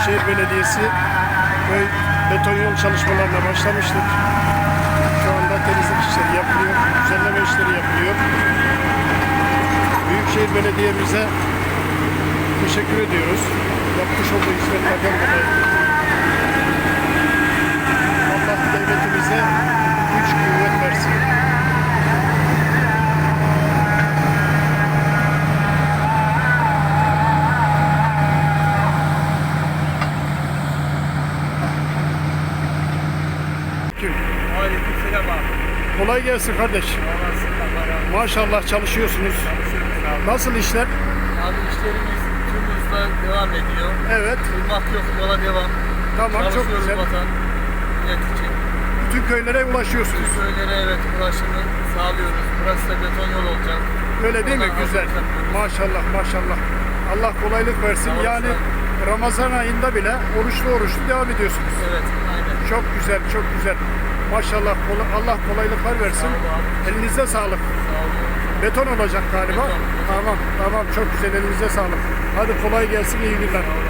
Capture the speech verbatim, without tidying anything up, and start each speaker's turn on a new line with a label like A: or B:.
A: Büyükşehir Belediyesi köy beton yol çalışmalarına başlamıştık. Şu anda temizlik işleri yapılıyor, düzenleme işleri yapılıyor. Büyükşehir Belediye'mize teşekkür ediyoruz. Yapmış olduğu hizmetlerden dolayı. Allah devletimize güç kuvvet versin.
B: Aleykümselam abi.
A: Kolay gelsin kardeş. Maşallah çalışıyorsunuz. Nasıl işler?
B: Abi işlerimiz tüm hızla devam ediyor.
A: Evet.
B: Durmak yok, yola devam.
A: Tamam, çok
B: Çalışıyoruz
A: güzel.
B: vatan, millet için.
A: Bütün köylere ulaşıyorsunuz.
B: Tüm köylere evet ulaşımı sağlıyoruz. Burası da beton yol olacak.
A: Öyle değil mi?
B: Ondan
A: Güzel.
B: hazırlık yapıyoruz.
A: Maşallah maşallah. Allah kolaylık versin.
B: Sağ ol,
A: Yani
B: sağ
A: Ramazan ayında bile oruçlu oruçlu devam ediyorsunuz.
B: Evet, aynen.
A: Çok güzel, çok güzel. Maşallah kola- Allah kolaylıklar versin.
B: Sağ ol abi.
A: Elinize sağlık.
B: Sağ olun.
A: Beton olacak galiba.
B: Beton, beton.
A: Tamam, tamam. Çok güzel. Elinize sağlık. Hadi kolay gelsin. İyi günler.